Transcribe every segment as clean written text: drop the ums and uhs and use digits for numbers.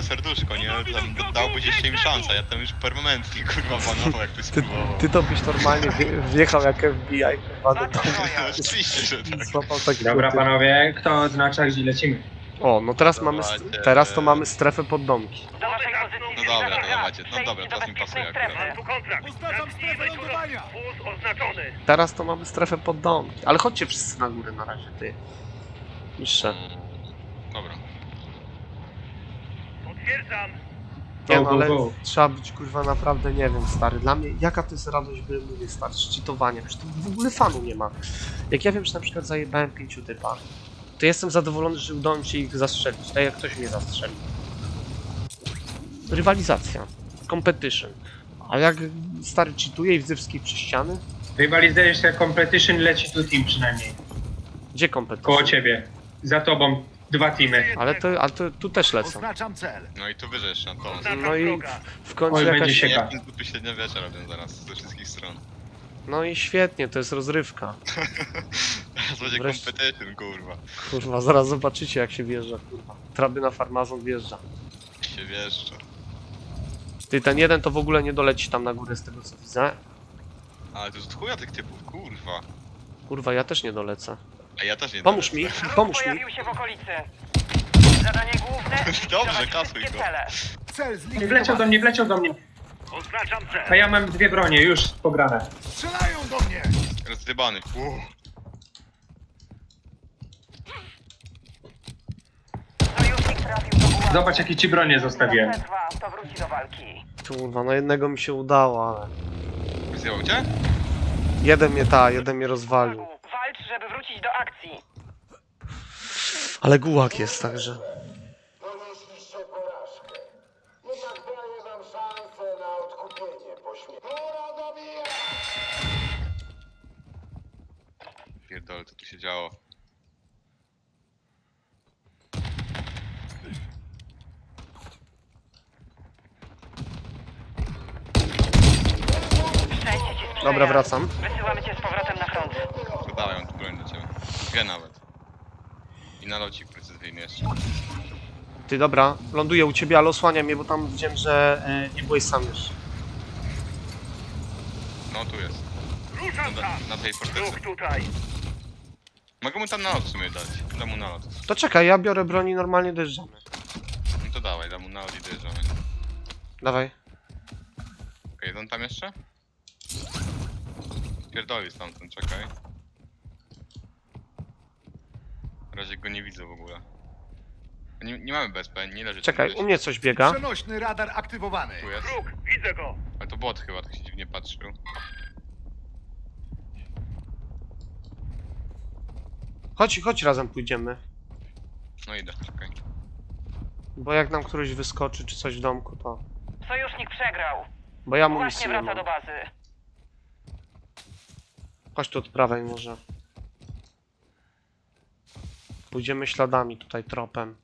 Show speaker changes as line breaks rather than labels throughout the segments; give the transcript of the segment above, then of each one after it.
serduszko, nie? Tam dałbyście im szansę, ja tam już permanentnie, kurwa, banował, jak ty spróbował.
Ty to byś normalnie wjechał jak FBI, kurwa, do domu.
No, oczywiście, że tak.
Złapał taki
Dobra
typ.
panowie, kto oznacza, gdzie lecimy?
O, no teraz mamy,
Dawajcie.
teraz to mamy strefę pod domki.
Do waszej pozycji.
No dobra, to
Zbliżamy
dawajcie.
gaz.
No dobra,
Przejdźcie
teraz mi
do
pasuje
bezpiecznej
akurat.
strefy.
kontrakt.
Oznaczam strefę lądowania.
Wóz oznaczony.
Teraz to mamy strefę pod domki. Ale chodźcie wszyscy na górę na razie, ty. Niższe.
Dobra.
Potwierdzam.
Nie
Go,
no,
go,
ale
go.
trzeba być kurwa naprawdę, nie wiem, stary. Dla mnie, jaka to jest radość, by mówię, stary, szczytowania. Przecież to w ogóle fanu nie ma. Jak ja wiem, że na przykład zajebałem 5 typa, to jestem zadowolony, że udało mi się ich zastrzelić, tak jak ktoś mnie zastrzelił. Rywalizacja. Competition. A jak stary cheatuje i wzywski przy ściany?
Rywalizacja competition leci tu team przynajmniej.
Gdzie
Koło
competition?
ciebie. Za tobą 2 teamy.
Ale to tu też lecą.
Oznaczam cel.
No i tu wyżesz na to.
No i w końcu
Oj, będzie
jakaś...
się-
Ja tu średniowiecze robię zaraz, ze wszystkich stron.
No i świetnie, to jest rozrywka.
Teraz będzie
Wreszcie.
competition, kurwa.
Kurwa, zaraz zobaczycie jak się wjeżdża, kurwa. Trabyna farmazon wjeżdża.
Się wieszczę.
Ty, ten jeden to w ogóle nie doleci tam na górę z tego co widzę.
Ale to jest chuja tych typów, kurwa.
Kurwa, ja też nie dolecę.
A ja też nie
Pomóż
dolecę.
mi,
Wróg
pomóż mi.
pojawił się w okolicy. Zadanie główne.
Dobrze,
zlikwidować
kasuj
wszystkie
go.
cele.
Cel
Nie
zlikwidowany.
wleciał do mnie, wleciał do mnie.
Oznaczam cel.
A ja mam 2 bronie, już pograne.
Strzelają do mnie.
Rozdybany.
Sojusznik trafił do pułapki.
Zobacz jakie ci bronie zostawiłem.
Jak przetrwa, to wróci do walki.
Kurwa, no jednego mi się udało, ale...
Zjebał cię?
Jeden mnie rozwalił.
Walcz, żeby wrócić do akcji.
Ale gułak jest, także...
Ponieśliście porażkę. Jednak daję wam szansę na odkupienie po śmierci. Pora dobijać!
Pierdolę, co tu się działo.
Szczęście ci sprzyja.
Dobra, wracam.
Wysyłamy cię z powrotem na front.
Dodałem tu broń do ciebie. Dwie nawet. I nalocik precyzyjny jeszcze.
Ty, dobra, ląduję u ciebie, ale osłania mnie, bo tam widziałem, że nie byłeś sam już.
No tu jest.
Ruszam tam.
Na tej fortecy.
Ruch tutaj.
Mogę mu tam nalot w sumie dać. Dam mu nalot.
To czekaj, ja biorę broń i normalnie dojeżdżamy.
No to dawaj, dam mu nalot i dojeżdżamy.
Dawaj.
Okej, jest on tam jeszcze? Pierdoli stamtąd, czekaj. Na razie go nie widzę w ogóle. Nie mamy BSP, nie leży tam
Czekaj,
gdzieś.
u mnie coś biega.
Przenośny radar aktywowany.
Tu jest.
Wróg, widzę go.
Ale to bot chyba, tak się dziwnie patrzył.
Chodź razem pójdziemy.
No idę, czekaj.
Bo jak nam któryś wyskoczy, czy coś w domku, to...
Sojusznik przegrał.
Bo ja
Właśnie
amunicji nie
wraca
mam.
do bazy.
Chodź tu od prawej może. Pójdziemy śladami tutaj, tropem.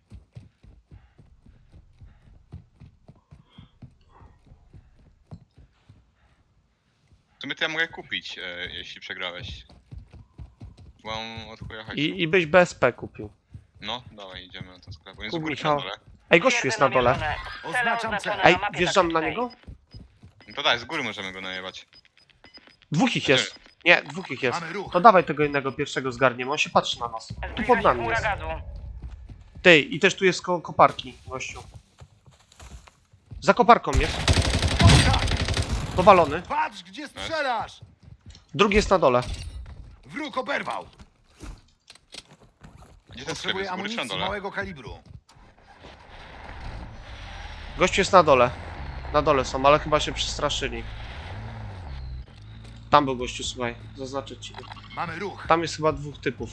W sumie to ja mogę kupić, jeśli przegrałeś. Bo mam od chuja hajsu.
I byś BSP kupił.
No, dawaj, idziemy na ten sklep. On jest
Kup,
u góry
Michał.
na dole.
Ej, gościu jest na dole.
Cele
Oznaczam
oznaczone
cel.
Ej,
mapie
wjeżdżam na
taktycznej.
niego?
No to daj, z góry możemy go najebać.
Dwóch ich jest. Nie, dwóch ich jest.
Mamy ruch.
To dawaj tego jednego pierwszego zgarniemy, on się patrzy na nas. Tu
Zbliża
pod
się
nami
chmura
jest.
gazu.
Ty, i też tu jest koparki, gościu. Za koparką jest. Powalony.
Patrz, gdzie strzelasz.
Drugi jest na dole.
Wróg oberwał.
Gdzie ten sklep
Potrzebuję
jest? Z góry czy na
amunicji
dole?
małego kalibru.
Gościu jest na dole. Na dole są, ale chyba się przestraszyli. Tam był gościu, słuchaj. Zaznaczę ci.
Mamy ruch.
Tam jest chyba dwóch typów.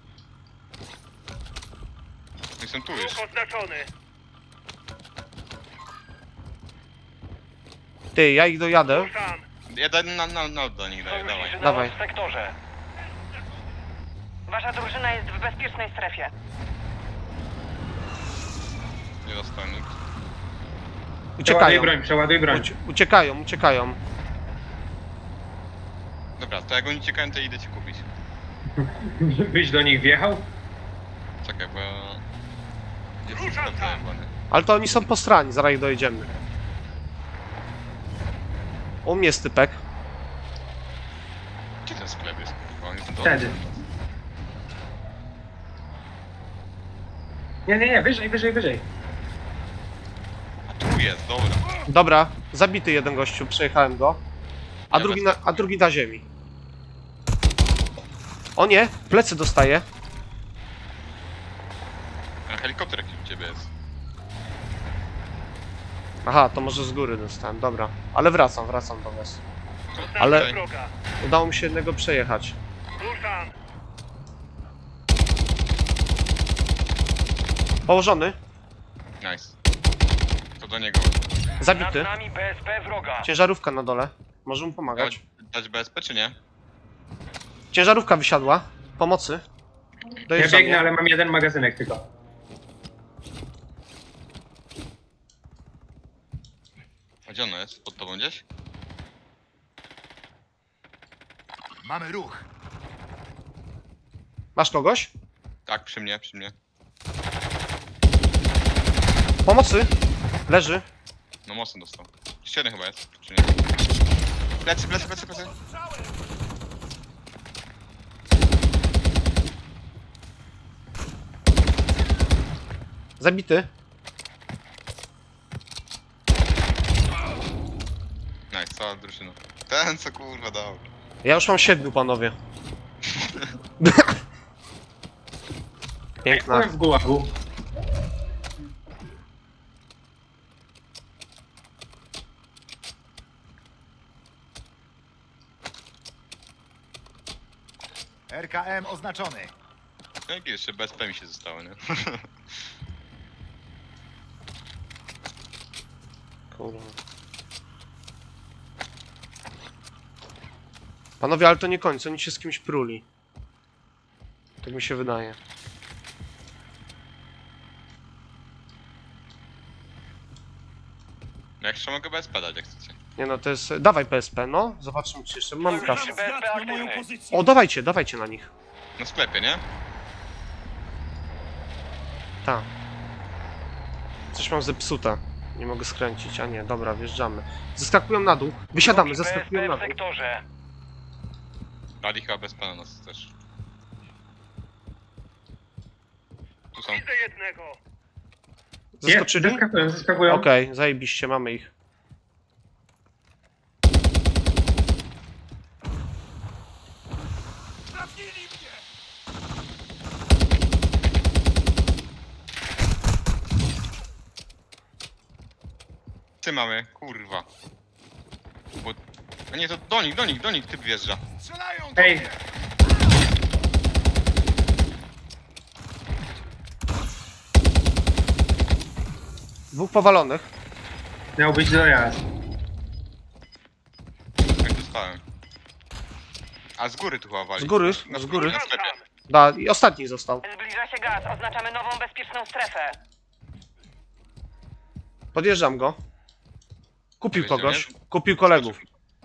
Jestem tu już.
Ruch oznaczony.
Ty, ja ich dojadę.
Ruszam.
Ja daj na do nich daję, dawaj.
Sojuszniczy
Dawaj.
w sektorze. Wasza drużyna jest w bezpiecznej strefie.
Nie dostałem nikt.
Uciekają.
Przeładuj broń.
Uciekają.
Dobra, to jak oni uciekają, to idę ci kupić.
Byś do nich wjechał?
Czekaj, bo... Gdzie jest ten
Ruszam
sklep
tam.
zajebany?
Ale to oni są po stronie, zaraz ich dojedziemy. U mnie jest typek.
Gdzie ten sklep jest? Kurwa, on jest na dole.
Wtedy. Nie, wyżej.
A tu jest, dobra.
Dobra, zabity jeden gościu, przejechałem go. A
Ja
drugi na ziemi. O nie, plecy dostaje.
A helikopter jakiś u ciebie jest.
Aha, to może z góry dostałem, dobra. Ale wracam do was.
Oznaczam
Ale-
wroga.
Udało mi się jednego przejechać.
Ruszam.
Położony,
Nice. To do niego.
zabity.
nami BSP wroga.
Ciężarówka na dole. Może mu pomagać.
Dać BSP czy nie?
Ciężarówka wysiadła. Pomocy.
Ja
Dojeżdżam.
biegnę, ale mam jeden magazynek tylko.
A gdzie ono jest? Pod tobą gdzieś?
Mamy ruch.
Masz kogoś?
Tak, przy mnie, przy mnie.
Pomocy. Leży.
No mocno dostał. Jeszcze jeden chyba jest, czy nie? Plecy.
Zabity.
Nice, cała drużyna. Ten co kurwa dał.
Ja już mam 7, panowie. Piękna.
Byłem w gułagu.
RKM oznaczony.
No i jeszcze BSP mi się zostało, nie?
Kurwa. Panowie, ale to nie koniec, oni się z kimś pruli. Tak mi się wydaje.
No jak jeszcze mogę BSP dać, jak chcecie.
Nie no, to jest... Dawaj PSP, no. Zobaczymy, czy jeszcze mamy kasę.
BSP aktywny.
O, dawajcie na nich.
Na sklepie, nie?
Tak. Coś mam zepsuta. Nie mogę skręcić, a nie, dobra, wjeżdżamy. Zeskakują na dół. Wysiadamy, zeskakują na dół.
sektorze.
Dali chyba BSP na nas też. Tu są.
Widzę jednego.
Zeskoczyli?
Zeskakują.
Okej, zajebiście, mamy ich.
Ty mamy, kurwa. Bo... A nie, to do nich typ wjeżdża.
Strzelają do
Ej.
mnie.
Dwóch powalonych.
Miał być dojazd.
Jak dostałem. A z góry tu chyba wali.
Z góry,
Na
z góry.
Na sklepie.
Da, i ostatni został.
Zbliża się gaz. Oznaczamy nową bezpieczną strefę.
Podjeżdżam go. Kupił
Powiedział,
kogoś.
nie?
Kupił kolegów.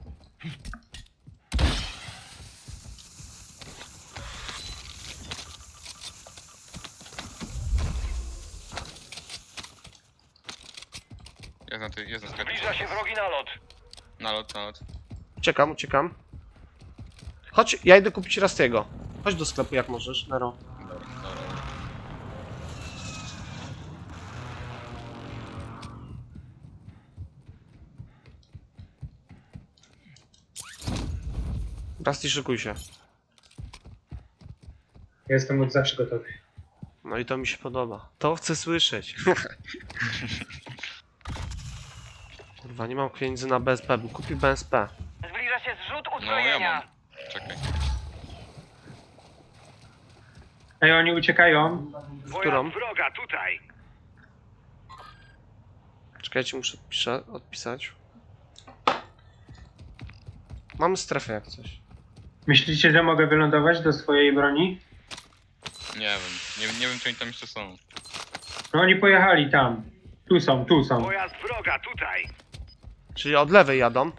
Jest na sklepie.
Zbliża się wrogi nalot.
Nalot.
Uciekam. Chodź, ja idę kupić Rastiego. Chodź do sklepu jak możesz, Nero.
Dobra.
Rasty, szykuj się.
Jestem od zawsze gotowy.
No i to mi się podoba. To chcę słyszeć. Kurwa, nie mam pieniędzy na BSP, bym kupił BSP.
Zbliża się zrzut
No ja
uzbrojenia.
mam. Czekaj.
Ej, oni uciekają.
Którą?
wroga tutaj.
Czekajcie, muszę odpisać. Mamy strefę jak coś.
Myślicie, że mogę wylądować do swojej broni?
Nie wiem. Nie wiem, czy oni tam jeszcze są.
No oni pojechali tam. Tu są.
Pojazd wroga tutaj.
Czyli od lewej jadą.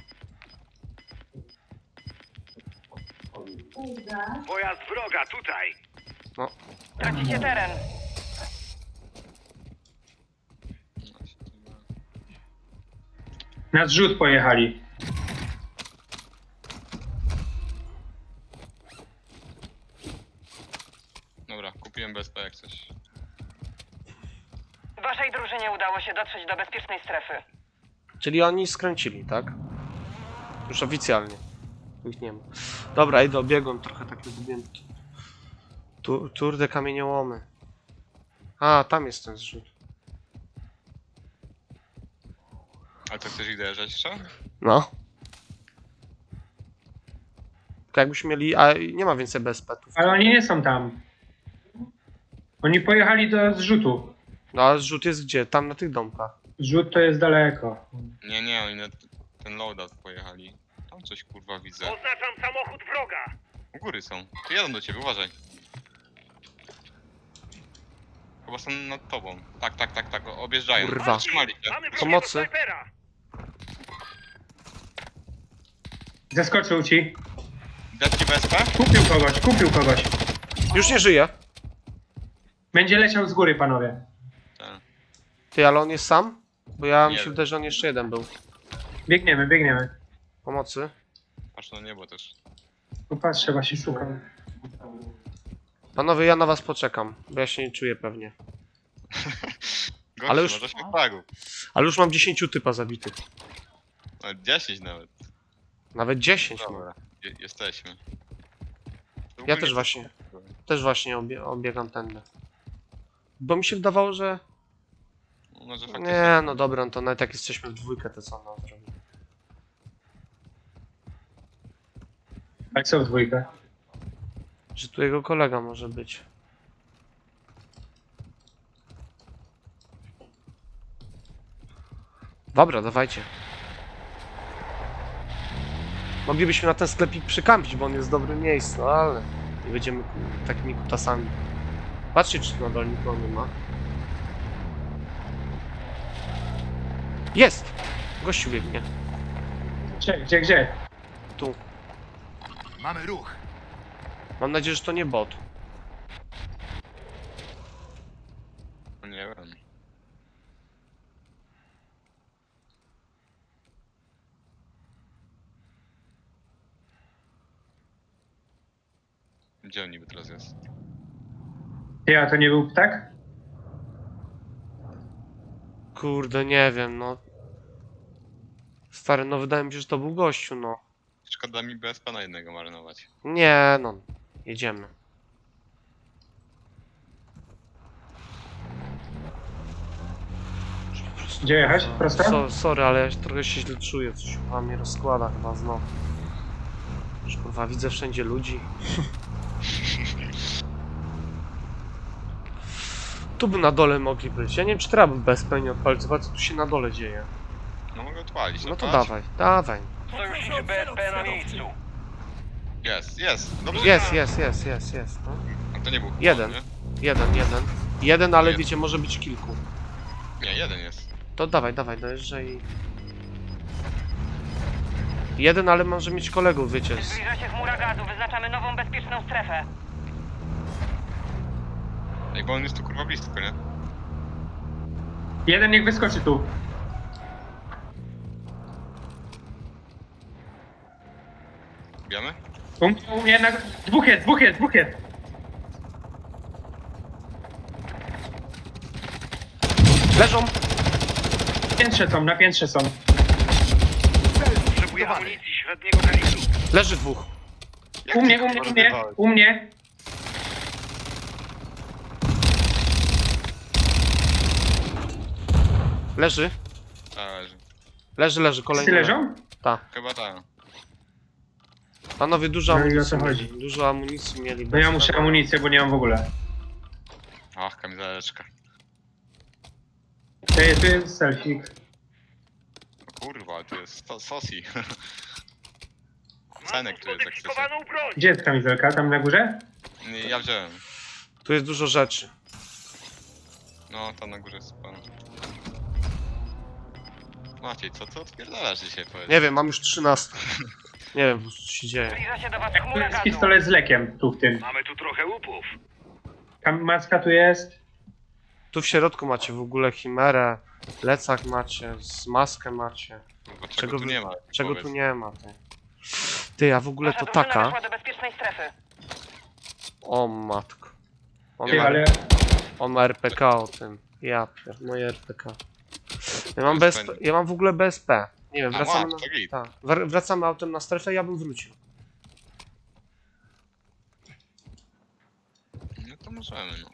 Pojazd wroga tutaj.
Tracicie teren.
Na zrzut pojechali.
Dobra, kupiłem BSP jak coś.
Waszej drużynie udało się dotrzeć do bezpiecznej strefy.
Czyli oni skręcili, tak? Już oficjalnie. Ich nie ma. Dobra, idę obiegłem trochę, tak lubiłem. Tour de kamieniołomy. A, tam jest ten zrzut.
A co, chcesz ich dojeżdżać jeszcze?
No. Tylko jakbyśmy mieli... A, nie ma więcej BSP-ów.
Ale oni nie są tam. Oni pojechali do zrzutu.
No ale zrzut jest gdzie? Tam na tych domkach.
Zrzut to jest daleko.
Nie, oni na ten loadout pojechali. Tam coś kurwa widzę.
Oznaczam samochód wroga.
U góry są. Tu jadą do ciebie, uważaj. Chyba są nad tobą. Tak, objeżdżają.
Kurwa.
Zatrzymali się.
Mamy
Pomocy.
snajpera.
Zeskoczył ci.
Dać ci BSP?
Kupił kogoś.
Już nie żyje.
Będzie leciał z góry, panowie.
Tak.
Ty, ale on jest sam? Bo ja mi
Nie
się
wiem.
wydaje, że on jeszcze jeden był.
Biegniemy.
Pomocy.
Patrz na niebo też.
Popatrzę, właśnie szukam.
Panowie, ja na was poczekam, bo ja się nie czuję pewnie.
Gościu,
Ale już-
może się fragów.
Ale już mam 10 typa zabitych.
No, 10 nawet.
Nawet 10 mam.
Dobra, jesteśmy. To
Ja
ogólnie
też właśnie obiegam tędy. Bo mi się wydawało, że...
Może faktycznie.
Nie, no dobra, no to nawet jak jesteśmy w dwójkę, to co nam zrobi?
Ale co w dwójkę?
Że tu jego kolega może być. Dobra, dawajcie. Moglibyśmy na ten sklepik przykampić, bo on jest w dobrym miejscu, ale nie będziemy takimi kutasami. Patrzcie, czy tu na dole nikogo nie ma. Jest! Gościu biegnie.
Gdzie?
Tu.
Mamy ruch.
Mam nadzieję, że to nie bot.
Nie wiem. Gdzie on niby teraz jest?
Ja, to nie był ptak?
Kurde, nie wiem, no. Stary, no wydaje mi się, że to był gościu, no.
Szkoda mi BSP na jednego marnować.
Nie, no. Jedziemy.
Gdzie jechać? Prosto?
Sorry, ale ja trochę się źle czuję, coś chyba mnie rozkłada chyba znowu. Już kurwa, widzę wszędzie ludzi. Tu by na dole mogli być. Ja nie wiem, czy trzeba by BSP nie odpalić. Zobacz, co tu się na dole dzieje.
No mogę odpalić.
No to
patrz.
dawaj.
Sojuszniczy BSP na miejscu.
Jest. Dobrze.
Jest. No.
A to nie był.
Jeden.
Nie?
Jeden, ale
Jeden.
wiecie, może być kilku.
Nie, jeden jest.
To dawaj, dojeżdżaj. Jeden, ale może mieć kolegów, wiecie.
Zbliża się chmura gazu. Wyznaczamy nową bezpieczną strefę.
Ej, bo on jest tu kurwa blisko, nie?
Jeden niech wyskoczy tu.
Bijamy?
U mnie na... Dwóch jest.
Leżą!
Na piętrze są.
Potrzebuję amunicji średniego kalibru.
Leży dwóch.
U mnie.
Leży. Leży, kolejny.
Wszyscy leżą?
Tak.
Chyba tak.
Panowie, dużo
No i o co
amunicji.
chodzi?
Dużo amunicji mieli.
No ja muszę amunicję, bo nie mam w ogóle.
Ach, kamizeleczka.
Tu jest selfik.
O kurwa, to jest sosi. Cenek tu jest jak chcecie.
Modyfikowaną broń.
Gdzie jest kamizelka? Tam na górze?
Nie, ja wziąłem.
Tu jest dużo rzeczy.
No, tam na górze jest pan. Maciej, co odpierdalasz dzisiaj, powiedz?
Nie wiem, mam już 13. Nie wiem, co się dzieje.
Zbliża się do was
Tu
chmura
jest
gazu.
pistolet z lekiem, tu w tym.
Mamy tu trochę łupów.
Maska tu jest.
Tu w środku macie w ogóle chimerę. Plecak macie, z maskę macie.
Bo
Czego
czego tu
wy-
nie ma?
Czego
powiedz.
tu nie ma, ty? Ty, a w ogóle
Wasza
to
drużyna
taka...
weszła do bezpiecznej strefy.
O matko. On
Ty,
ma,
ale
on ma RPK o tym. Ja pier... moje RPK. Ja mam,
BSP.
ja mam w ogóle BSP. Nie wiem,
A,
wracamy
masz,
na...
to git.
Tak. Wracamy autem na strefę, ja bym wrócił.
No to możemy, no.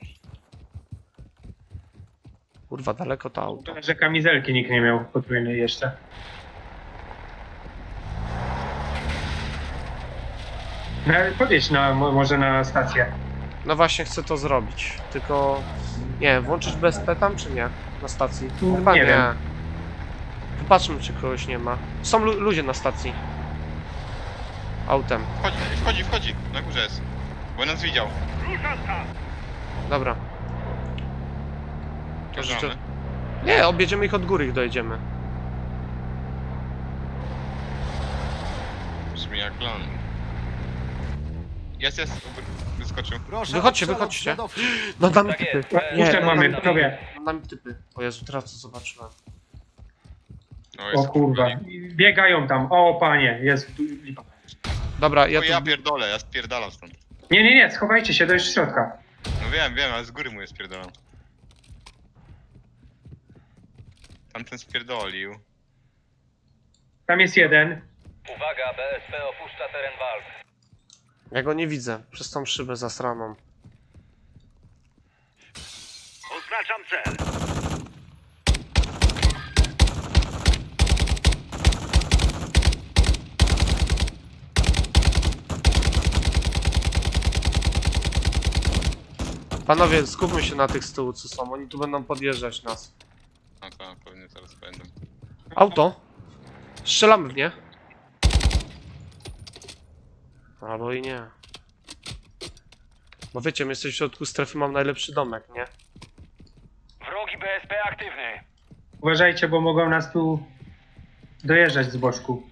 Kurwa, daleko to auto.
szkoda, że kamizelki nikt nie miał potrójnej jeszcze. No, ale podjedź może na stację.
No właśnie chcę to zrobić. Tylko... Nie wiem, włączyć BSP tam czy nie? Na stacji? Chyba
Nie
nie.
wiem.
Popatrzmy, czy kogoś nie ma. Są ludzie na stacji. Autem.
Wchodzi. Na górze jest. Bo nas widział.
Ruszam tam!
Dobra. To życzę...
Bierzemy.
Nie, objedziemy ich od góry, ich dojedziemy.
Brzmi jak plan. Jest. Wyskoczył.
Proszę
Wychodźcie,
o przelot
wychodźcie.
śladowczy.
No damy
Tak
typy.
jest.
Puszczę
no,
mamy,
damy
panowie.
No damy typy. O Jezu, teraz co zobaczyłem.
No,
O
jest
kurwa. Biegają tam. O panie, jest lipa.
Dobra,
Ja,
ja
ja
tu...
pierdolę, ja spierdalam stąd.
Nie, schowajcie się do środka.
No wiem, ale z góry mu je spierdalam. Tamten spierdolił.
Tam jest jeden.
Uwaga, BSP opuszcza teren walk.
Ja go nie widzę. Przez tą szybę zasraną.
Oznaczam cel.
Panowie, skupmy się na tych z tyłu, co są. Oni tu będą podjeżdżać nas.
No to pewnie zaraz będą.
Auto. Strzelamy w nie. Albo i nie. Bo wiecie, my jesteśmy w środku strefy, mam najlepszy domek, nie?
Wrogi BSP aktywny.
Uważajcie, bo mogą nas tu dojeżdżać z boczku.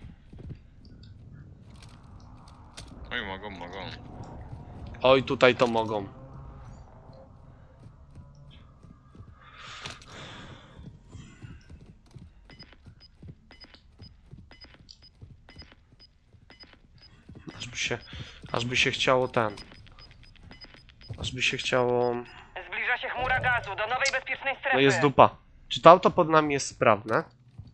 Oj, mogą.
Oj, tutaj to mogą. Aż by się chciało ten. Aż by się chciało...
Zbliża się chmura gazu do nowej bezpiecznej strefy.
No jest dupa. Czy to auto pod nami jest sprawne?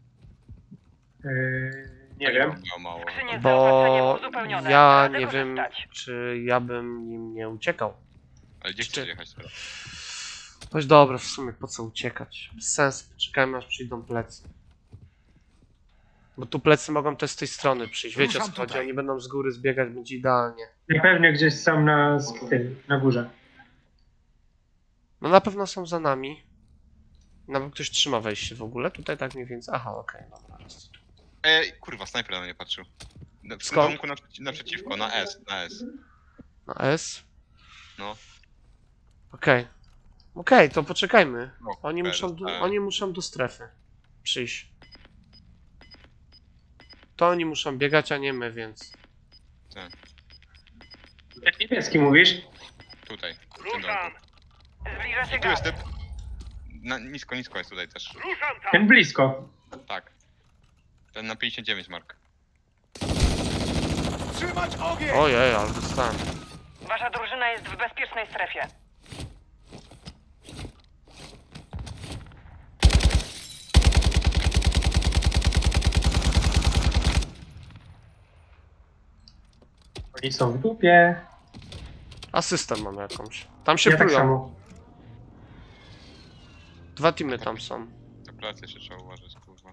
Nie wiem.
Miał mało.
Skrzynie z zaopatrzeniem
Bo
uzupełnione.
ja
Radzę
nie wiem,
korzystać.
czy ja bym nim nie uciekał.
Ale gdzie chcesz jechać teraz?
Choć dobra, w sumie po co uciekać? Bez sensu, czekajmy aż przyjdą plecy. Bo tu plecy mogą też z tej strony przyjść. Wiecie o co
Ruszam
chodzi?
tutaj.
Oni będą z góry zbiegać, będzie idealnie.
Na pewno gdzieś są na górze.
No na pewno są za nami. Nawet ktoś trzyma wejście w ogóle. Tutaj tak mniej więcej. Aha, okej, dobra.
Kurwa, snajper na mnie patrzył. W tym
Skąd?
domku naprzeciwko, na S.
Na S?
No.
Okej. Okej, to poczekajmy.
No,
Oni
teraz,
muszą,
tak.
oni muszą do strefy przyjść. To oni muszą biegać, a nie my, więc...
Jak niebieski mówisz?
Tutaj. W tym
Ruszam!
domku.
Zbliża się
I tu jest
gaz.
typ. Nisko jest tutaj też.
Ruszam tam!
Ten blisko.
Tak. Ten na 59, Mark.
Trzymać ogień!
Ojej, ale dostałem.
Wasza drużyna jest w bezpiecznej strefie.
Oni są w dupie.
Asystę mam jakąś. Tam się
Ja tak
plują.
samo.
Dwa teamy tam są.
Na pracy jeszcze trzeba uważać, kurwa.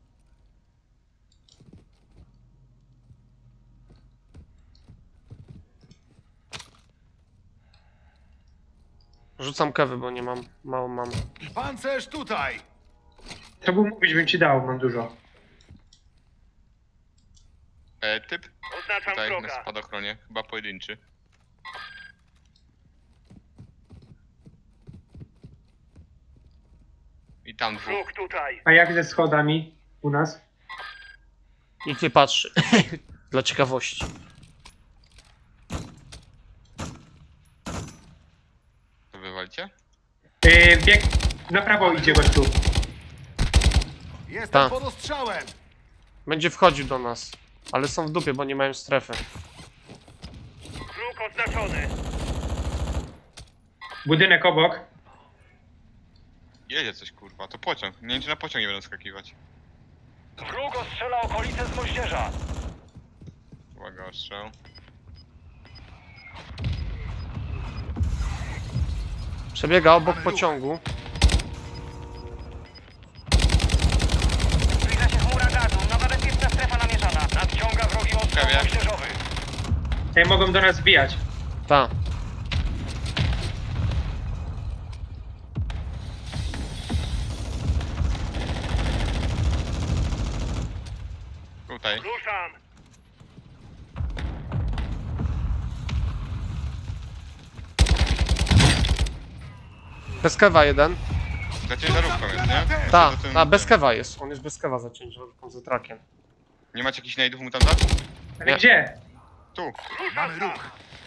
Rzucam kewy, bo nie mam, mało mam.
Pancerz tutaj!
To był mówić, bym ci dał, mam dużo.
Typ
Oznaczam
tutaj na
wroga!
spadochronie, chyba pojedynczy. I tam dwóch.
Wróg tutaj!
A jak ze schodami u nas?
Nikt nie patrzy. Dla ciekawości.
To wywalicie?
Bieg na prawo idzie gościu.
Jestem
Tak.
pod ostrzałem!
Będzie wchodził do nas. Ale są w dupie, bo nie mają strefy.
Wróg oznaczony.
Budynek obok.
Jedzie coś kurwa, to pociąg. Nie wiem czy na pociąg nie będą skakiwać.
Wróg ostrzela okolice z moździerza.
Uwaga, ostrzał.
Przebiega obok pociągu.
Zbliża się chmura gazu. Nowa bezpieczna strefa namierzona.
Nadciąga wrogi ostrzał
Prawie.
moździerzowy.
Ej, mogą do nas wbijać.
Ta.
Tutaj.
Ruszam.
Bez kewa jeden.
Za ciężarówką jest, nie?
Ta,
Za tym-
ta, bez kewa jest. On jest bez kewa za ciężarówką, za trakiem.
Nie macie jakichś najdów mu tam dać?
Ale
Nie.
gdzie?
Tu.
Mamy ruch!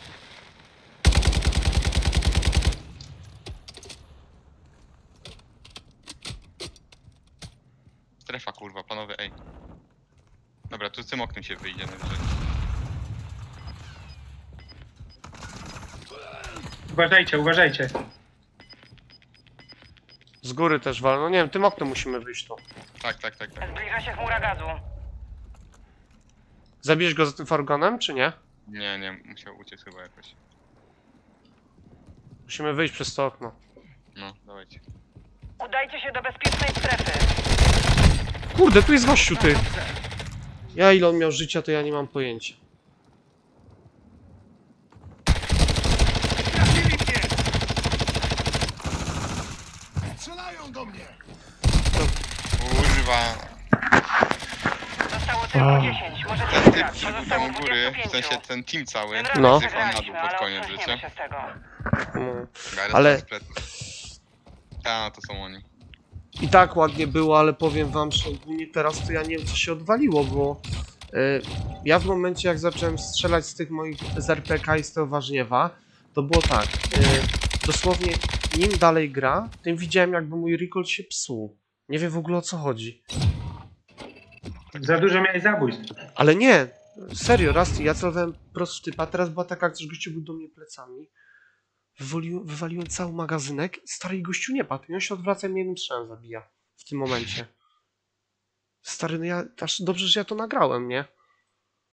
Strefa kurwa, panowie, ej. Dobra, tu z tym oknem się wyjdzie najwyżej.
Uważajcie, uważajcie.
Z góry też wal. No nie wiem, tym oknem musimy wyjść tu.
Tak, tak, tak, tak.
Zbliża się chmura gazu.
Zabijesz go za tym fargonem, czy nie?
Nie, nie, musiał uciec chyba jakoś.
Musimy wyjść przez to okno.
No, dawajcie.
Udajcie się do bezpiecznej strefy.
Kurde, tu jest gościu, ty! Ja ile on miał życia, to ja nie mam pojęcia.
Trafili mnie! Strzelają do mnie!
Kurwa.
Zostało tylko 10. Możecie
Ten typ,
wygrać.
który był
Pozostało
tam u góry, w
25.
sensie ten team cały,
Tym razem
No.
zjechał na dół
przegraliśmy,
pod
ale
koniec
otrząśniemy
życia.
się z tego.
Mm.
Ale...
Ale-
Ta, to są oni.
I tak ładnie było, ale powiem wam, że ogólnie teraz to ja nie wiem co się odwaliło, bo ja w momencie jak zacząłem strzelać z tych moich z RPK i z tego warzniewa, to było tak, dosłownie im dalej gra, tym widziałem jakby mój recoil się psuł. Nie wiem w ogóle o co chodzi.
Za dużo miałeś zabójstw.
Ale nie, serio, raz ja celowałem prosto w typa, teraz była taka akcja, że gościu był do mnie plecami, wywaliłem cały magazynek, stary i gościu nie padł i on się odwraca i mnie jednym strzałem zabija w tym momencie. Stary, no ja, aż dobrze, że ja to nagrałem, nie?